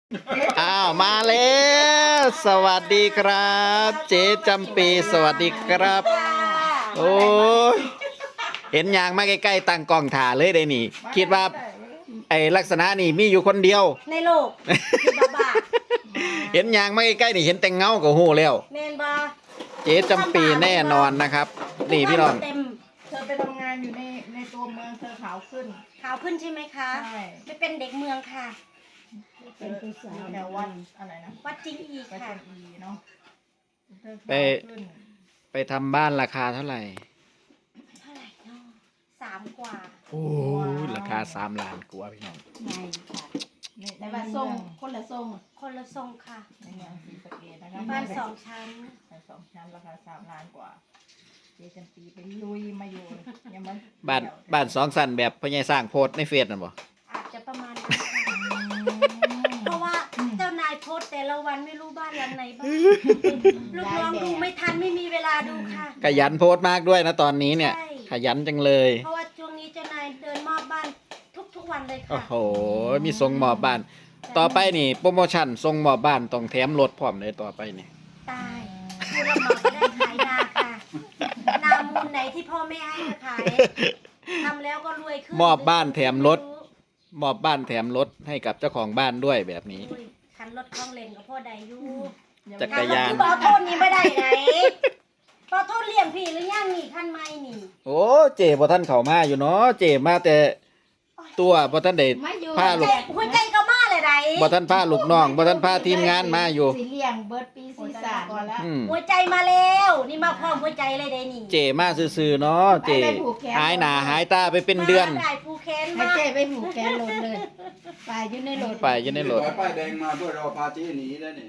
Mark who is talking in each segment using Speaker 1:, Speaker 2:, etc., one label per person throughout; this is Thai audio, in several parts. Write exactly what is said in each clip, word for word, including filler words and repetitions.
Speaker 1: อ้าวมาแล้วสวัสดีครับ เจ๊จำปีสวัสดีครับ โอ้ยเห็นยางมาใกล้ๆตั้งกล้องถ่าเลยได้นี่ คิดว่าไอ้ลักษณะนี่มีอยู่คนเดียว
Speaker 2: ในโลกคือบ้าบ้า
Speaker 1: เห็นยางมาใกล้ๆนี่เห็นแต่เงาก็โหแล้ว
Speaker 2: แมนบา
Speaker 1: เจ๊จำปีแน่นอนนะครับ นี่พี่น้อง
Speaker 2: เต็ม
Speaker 3: เธอไปทำงานอยู่ในในตัวเมืองเธอขาวขึ้น
Speaker 2: ขาวขึ้นใช่ไหมคะ
Speaker 3: ใช่
Speaker 2: ไม่เป็นเด็กเมืองค่ะ
Speaker 3: เป็นผู้สาวแถววัดอะไรนะ
Speaker 2: วัดจริงอีก
Speaker 3: วัด
Speaker 2: ค่ะ
Speaker 3: จันอีเนาะเธอ
Speaker 1: ไป
Speaker 3: ขาวขึ้น
Speaker 1: ไปทำบ้านราคาเท่าไหร่
Speaker 2: เท่าไหร่เนาะสามกว่า
Speaker 1: โอ้ยราคาสามล้านกว่าพี่น้อง
Speaker 3: ในค่ะในใน
Speaker 4: แต่
Speaker 3: เมื
Speaker 4: ว่า
Speaker 3: อง
Speaker 4: ทรงคนละทรง
Speaker 2: คนละทรงค่ะ
Speaker 3: ในเมืองศรีสะเกษนะคะ
Speaker 2: บ้านสองชั้น
Speaker 3: บ้านสองชั้นราคาสามล้านกว่าเจจันปีไปลุยมาอยู่ยังมัน
Speaker 1: บ้านบ้านสองสันแบบพ่อใหญ่สร้างโพสต์ในเฟซน่ะบ่
Speaker 2: อาจจะประมาณนั้นค่ะเพราะว่าเจ้านายโพสต์แต่ละวันไม่รู้บ้านหลังไหนบ้างลูกน้องดูไม่ทันไม่มีเวลาดูค่ะ
Speaker 1: ขยันโพสต์มากด้วยนะตอนนี้เนี่ย
Speaker 2: ใช่
Speaker 1: ขยันจังเลย
Speaker 2: เพราะว่าช่วงนี้เจ้านายเดินมอบบ้านทุกๆวันเลย
Speaker 1: โอ้
Speaker 2: ค่ะ
Speaker 1: โห มีทรงหมอบบ้าน ต่อไปนี่โปรโมชั่นทรงหมอบบ้านต้องแถมรถพร้อมเลยต่อไปนี่
Speaker 2: ตายผู้รับเหมาจะได้ขายนาค่ะนามูลไหนที่พ่อแม่ให้มาขายทำแล้วก็รวยขึ้น
Speaker 1: มอบบ้านแถมรถ มอบบ้านแถมรถให้กับเจ้าของบ้านด้วยแบบนี้
Speaker 2: อุ้ยคันรถคล้องเลนกับพ่อใดอยู่
Speaker 1: จักรยาน
Speaker 2: คันรถที่บอโทษนี่ไม่ได้ไหนบอโทษเลี้ยงพี่หรือยังนี่ขั้นไม่นี่
Speaker 1: โอ้เจ๋บ่ท่านเข้ามาอยู่เนาะเจ๋มาแต่ตัวบ่ท่านได้
Speaker 4: มาอยู่
Speaker 1: พาลูก
Speaker 2: แต่หัวใจก็มาเลยไหน
Speaker 1: บ่ท่านพาลูกน้องบ่ท่านพาทีมงานมาอยู่
Speaker 4: สีเลี้ยงเบิร์ดปี
Speaker 3: โอ้
Speaker 4: สี
Speaker 3: ย
Speaker 4: สา
Speaker 3: สาม ก่อนแล้ว
Speaker 1: อืม
Speaker 2: หัวใจมาแล้ว นี่มาพร้อมหัวใจเลยได้นี่
Speaker 1: เจ๋มาซื่อๆเนาะเจ๋หายหน้าหายตาไปเป็นเดือน
Speaker 2: มาได้ผู้แค้น
Speaker 4: ให้
Speaker 2: มา
Speaker 4: เจ๊ไปผูกแกนรถเลยไปอยู่ในรถ
Speaker 1: ไปอยู่ในรถ
Speaker 5: ป้ายแดงมาเพื่อรอพาเจ๊หนีแล้วนี่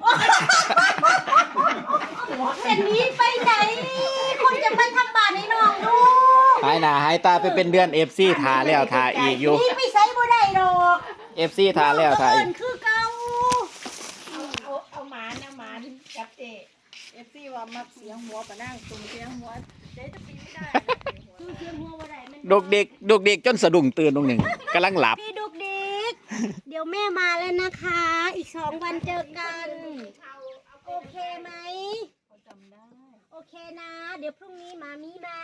Speaker 2: เป็นนี้ไปไหน คนจะมาทำบาปในน้องดู
Speaker 1: หายหน้าหายตาไปเป็นเดือน เอฟ ซี ทาแล้วทาอีกอยู่
Speaker 2: นี่ไปใส่บ่ได้ดอก
Speaker 1: เอฟ ซี ทาแล้วทาอีก
Speaker 2: เนคือเก่า
Speaker 3: เอาเอาเอาหมานะหมากับเจเอฟซีว่ามักเสียงหัวปะนั่งตุ่มเสียงหัวเจ๊จะปีไม่ได้นะเสียงหัว
Speaker 2: คือเสียงหัวบ่ได้มัน
Speaker 1: ดกเด็กดกเด็กจนสะดุ้งตื่นตรงหนึ่งกำลังหลับ
Speaker 2: พี่ดุกดิกเดี๋ยวแม่มาแล้วนะคะ อีกสองวันเจอกัน โอเคไหม
Speaker 3: เขาจำได้
Speaker 2: โอเคนะ เดี๋ยวพรุ่งนี้มามีมา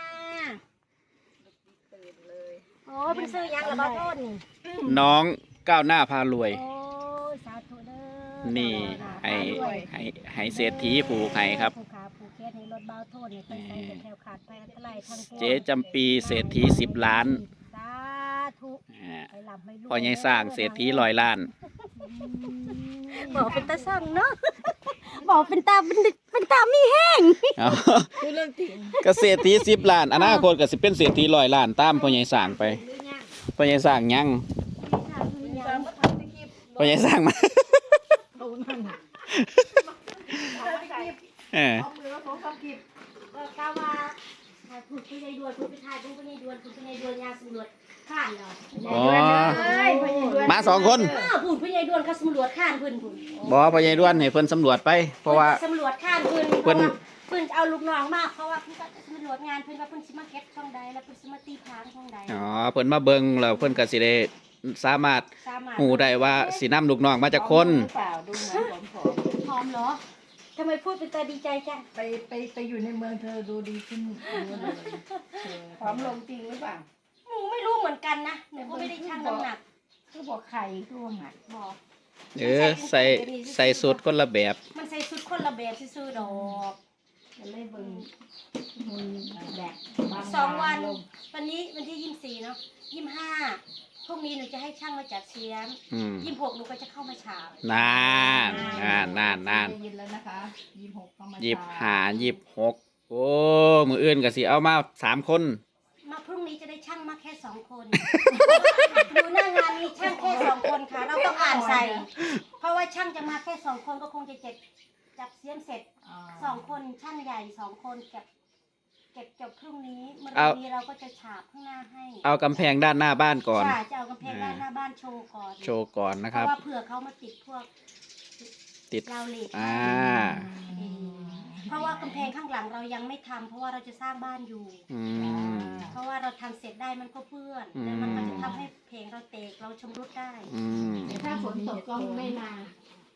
Speaker 3: ตื่นเลย
Speaker 2: โอ้ยเป็นซื้อยังละบ้าโทษนี่
Speaker 1: น้องก้าวหน้าพารวย
Speaker 2: โอ้ยสาธุเด้อ
Speaker 1: นี่ให้ให้ให้เศรษฐีผูกให้ครับ
Speaker 2: ผู้ขาผู้เคสให้รถเบาโทษเนี่ยตั้งใจจะแถวขาดไปอันตรายทั้งปวง
Speaker 1: เจ๊จำปีเศรษฐีสิบล้าน
Speaker 2: สาธุ
Speaker 1: อ่า
Speaker 2: ไปหลับไม่รู้
Speaker 1: พอยังสร้างเศรษฐีร้อยล้าน
Speaker 2: บอกเป็นตาสั่งเนาะ บอกเป็นตาเป็นเป็นตามีแห้ง
Speaker 1: เอา
Speaker 3: คือเรื่องจริง
Speaker 1: ก็เศรษฐีสิบล้านอนาคตก็สิเป็นเศรษฐีร้อยล้านตามพ่อใหญ่สร้างไปพ่อใหญ่สร้างยัง
Speaker 3: ตามมาทำที่คลิป
Speaker 1: พ่อใหญ่สร้างมา
Speaker 3: เขานั่นทำที่คลิป
Speaker 1: เออ
Speaker 3: เอามือแล้วเขาทำคลิป
Speaker 2: ก็กล่าวว่าคุณพี่ในดวนคุณพี่ทายคุณพี่ในดวนคุณพี่ในดวนยาสำรวจข้านเรา
Speaker 1: อ๋อ
Speaker 4: เอ้ยพญด้วย
Speaker 1: มาสองคน
Speaker 2: อ้าวคุณพี่ในดวนเขาสำรวจข้านเพิ่นพุ่น
Speaker 1: บอกพ่อใหญ่ด้วนให้เพิ่นสำรวจไป เพราะว่า
Speaker 2: สำรวจข้านเพิ่น
Speaker 1: เพิ่น
Speaker 2: เพิ่นเอาลูกน้องมาเพราะว่าเพิ่นก็สำรวจงานเพิ่นว่าเพิ่นสิมาเก็บช่องใดแล้วเพิ่นสิมาตีพางช่องใด
Speaker 1: อ๋อเพิ่นมาเบิ่งแล้วเพิ่นก็สิได้สามารถ
Speaker 2: สามารถ
Speaker 1: หูได้ว่าสินำลูกน้องมาจากคน
Speaker 3: หรือเปล่าดูเหมือนผอม
Speaker 2: พร้อมเหรอทำไมพูดเป็นตาดีใจจัง
Speaker 3: ๆไปไปไปอยู่ในเมืองเธอดูดีขึ้นเยอะเลยเออ
Speaker 4: พร้อมลงจริงหรือเปล่า
Speaker 2: หนูไม่รู้เหมือนกันนะหนูก็ไม่ได้ชั่งน้ำหนัก
Speaker 4: คือบอกไข่คือว่าหัด
Speaker 2: บอก
Speaker 1: เออใส่ใส่สุดคนละแบบ
Speaker 2: มันใส่ชุดคนละแบบซื่อๆดอก
Speaker 4: จะเลยเบิ่งมุนแดกบา
Speaker 2: สองวัน
Speaker 4: ลง
Speaker 2: วันนี้วันที่ยี่สิบสี่เนาะยี่สิบห้าพรุ่งนี้หนูจะให้ช่างมาจัดเสียม
Speaker 1: อืม
Speaker 2: ยี่สิบหกหนูก็จะเข้ามาฉาบ
Speaker 1: นานนานนานนาน
Speaker 3: ได้ยินแล้วนะคะยี่สิบหกเข้ามา
Speaker 1: ยิบหายิบหกโอ้มืออื่นก็สิเอามาสามคน
Speaker 2: มาพรุ่งนี้จะได้ช่างมาแค่สองคนดูหน้างานมีช่างแค่สองคนค่ะ เราต้องอ่านใส่ เพราะว่าช่างจะมาแค่สองคนก็คงจะเจ็บจับเสียมเสร็จ
Speaker 3: า
Speaker 2: สองคนช่างใหญ่สองคนเก็บเก็บจบพรุ่งนี้เมื่อ
Speaker 1: เอา
Speaker 2: นี้เราก็จะฉาบข้างหน้าให้
Speaker 1: เอากำแพงด้านหน้าบ้านก่อน
Speaker 2: ใช่จะเอากำแพงด้านหน้าบ้านโชว์ก่อน
Speaker 1: โชว์ก่อนนะ
Speaker 2: เพ
Speaker 1: ครับ
Speaker 2: ราะว่าเผื่อเขามาติดพวก
Speaker 1: ติด
Speaker 2: ราวเหล็ก
Speaker 1: อ่า
Speaker 2: อืมเพราะว่ากำแพงข้างหลังเรายังไม่ทำเพราะว่าเราจะสร้างบ้านอยู่
Speaker 1: อืม
Speaker 2: เพราะว่าเราทำเสร็จได้มันก็เปื้อน
Speaker 1: อืม
Speaker 2: แล้วมันก็จะทำให้เพลงเราเตกเราชำรุดได้
Speaker 1: อืม
Speaker 4: แต่ถ้าฝนตกก็ไม่นา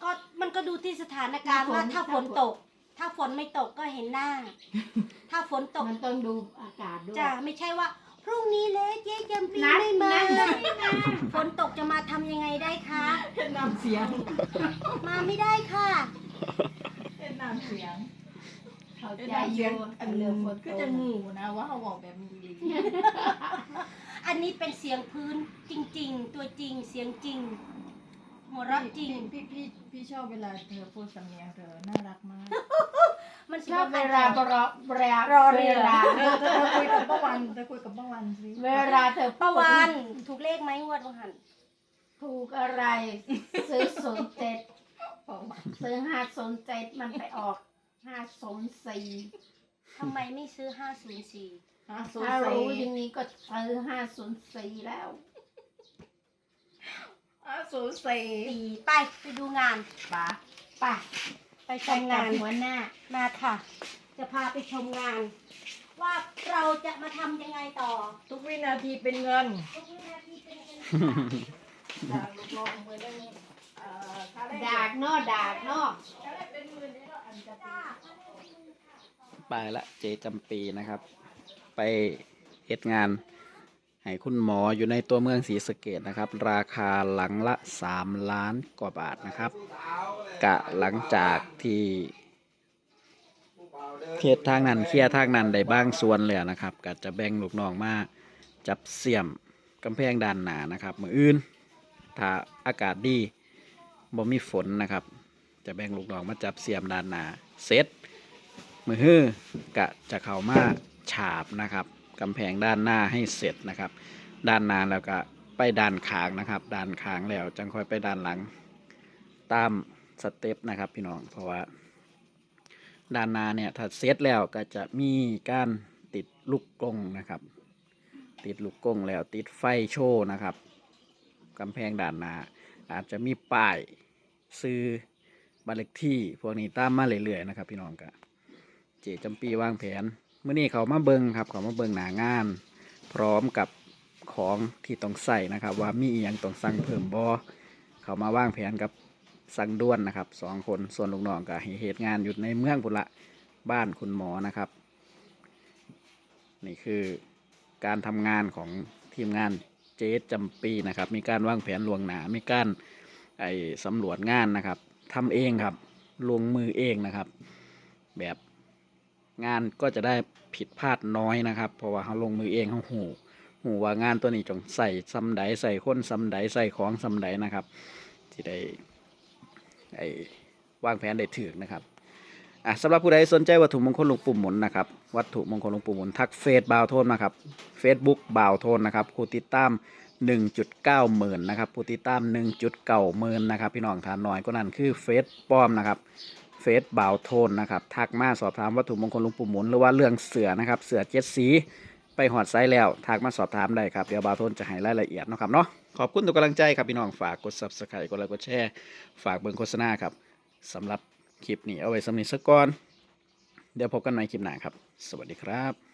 Speaker 2: ก็มันก็ดูที่สถานการณ์ว่าถ้าฝนตก ถ้าฝนไม่ตกก็เห็นหน้า ถ้าฝนตก
Speaker 4: มันต้องดูอากาศด้วย
Speaker 2: จะไม่ใช่ว่า พรุ่งนี้เลยเจ๊จำปี
Speaker 4: นัด
Speaker 2: ไม่มา
Speaker 4: นัด
Speaker 2: ฝนตกจะมาทำยังไงได้คะ
Speaker 3: เป็นน้ำเสียง
Speaker 2: มาไม่ได้ค่ะ
Speaker 3: เป็นน้ำเสียง
Speaker 4: เข้า
Speaker 3: เป็น
Speaker 4: ใจ
Speaker 3: น้ำ
Speaker 4: อ
Speaker 3: เสีย
Speaker 4: ยู่
Speaker 3: งอัน
Speaker 4: เรื่องฝน
Speaker 3: ก็
Speaker 4: ตก
Speaker 3: จะงูนะว่าเขาบอกแบบนี้
Speaker 2: อันนี้เป็นเสียงพื้นจริง ๆ ตัวจริงเสียงจริง หัวเราะจริง
Speaker 3: พี่พี่พี่ชอบเวลาเธอพูดสำเนียงเธอน่ารักมาก
Speaker 2: มัน
Speaker 4: ชอบเวลาบรอเวลาร
Speaker 2: อเรือ
Speaker 4: เวลา
Speaker 3: เธอเธอคุยกับป้าวันเธอคุยกับป้าวันสิ
Speaker 4: เวลาเธอ
Speaker 2: ประวันถูกเลขไหมงวดวันหัน
Speaker 4: ถูกอะไรซื้อศูนย์เจ็ด
Speaker 3: ป้าวัน
Speaker 4: ซื้อห้าศูนย์เจ็ดมันไปออกห้าศูนย์สี่
Speaker 2: ทำไมไม่ซื้อห้าศูนย์สี่
Speaker 3: ฮะโซ
Speaker 4: ถ้า
Speaker 3: เซ
Speaker 4: รู้อย่างนี้ก็ซื้อห้าศูนย์สี่แล้ว
Speaker 3: อ่ะโซเซ
Speaker 2: สี่ไปไปดูงาน
Speaker 4: ป่ะป่ะ
Speaker 2: ไปช
Speaker 4: ไป
Speaker 2: ม
Speaker 4: กั
Speaker 2: งา
Speaker 4: บ
Speaker 2: น
Speaker 4: หัวหน้า
Speaker 2: มาค่ะ จะพาไปชมงาน ว่าเราจะมาทำยังไงต่อ
Speaker 3: ทุกวินาทีเป็นเงิน
Speaker 2: ทุกวินาทีเป็นเงิน
Speaker 3: ดากลูกน้องมือได้เอ่อค่าแรง
Speaker 4: ดากนอดากนอ
Speaker 3: ค่าแรงเป็นหมื่นได้แล้วอันจะปี
Speaker 2: จ้า
Speaker 1: ไปละเจจำปีนะครับ ไปเฮ็ดงานให้คุณหมออยู่ในตัวเมืองศรีสะเกษนะครับ ราคาหลังละสามล้านกว่าบาทนะครับ กะหลังจากที่เฮ็ดทางนั้นเคลียร์ทางนั้นได้บ้างส่วนเลยนะครับก็จะแบ่งลูกน้องมาจับเสียมกำแพงด้านหน้านะครับมืออื่นถ้าอากาศดีบ่มีฝนนะครับ จะแบ่งลูกน้องมาจับเสียมด้านหน้าเสร็จ มือฮื้อกะจะเข้ามาฉาบนะครับกำแพงด้านหน้าให้เสร็จนะครับ ด้านหน้าแล้วก็ไปด้านข้างนะครับ ด้านข้างแล้วจังค่อยไปด้านหลังตามสเต็ปนะครับพี่น้องเพราะว่าด้านหน้าเนี่ยถ้าเสร็จแล้วก็จะมีการติดลูกกรงนะครับ ติดลูกกรงแล้วติดไฟโชว์นะครับกำแพงด้านหน้าอาจจะมีป้ายซื้อบ้านเลขที่พวกนี้ตามมาเรื่อยๆนะครับพี่น้องกะ เจจำปีวางแผนเมื่อนี้เขามาเบิงครับเขามาเบิงหนางาน พร้อมกับของที่ต้องใส่นะครับ ว่ามีอหย่างต้องสั่งเพิ่มบอเขามาวางแผนกับสั่งด้วนนะครับสองคนส่วนลูกน้องกับเหตุงานอยู่ในเมืองพุนละบ้านคุณหมอนะครับ นี่คือการทำงานของทีมงานเจจำปีนะครับ มีการวางแผนลวงหนามีการไอสำรวจงานนะครับทำเองครับลงมือเองนะครับ แบบงานก็จะได้ผิดพลาดน้อยนะครับ เพราะว่าเขาลงมือเองเขาหูหูว่างานตัวนี้จงใส่ซ้ำใดใส่ค้นซ้ำใดใส่ของซ้ำใดนะครับ ที่ได้ไอ้วางแผนได้ถึกนะครับอ่ะสำหรับผู้ใดสนใจวัตถุมงคลหลวงปู่หมุนนะครับวัตถุมงคลหลวงปู่หมุนทักเฟซบ่าวโทนมาครับเฟซบุ๊กบ่าวโทนนะครับผู้ติดตาม หนึ่งจุดเก้า หมื่นนะครับผู้ติดตาม หนึ่งจุดเก้า หมื่นนะครับพี่น้องทานน้อยก็นั่นคือเฟซปลอมนะครับเฟซบ่าวโทนนะครับทักมาสอบถามวัตถุมงคลหลวงปู่หมุนหรือว่าเรื่องเสือนะครับเสือเจ็ดสีไปหอดไซส์แล้วทักมาสอบถามได้ครับเดี๋ยวบ่าวโทนจะให้รายละเอียดเนาะครับเนาะขอบคุณทุกกำลังใจครับพี่น้องฝากกด ซับสไครบ์ กดไลค์กดแชร์ฝากเบิ่งโฆษณาครับสำหรับคลิปนี้เอาไว้สำหรับสักก่อนเดี๋ยวพบกันใหม่คลิปหน้าครับสวัสดีครับ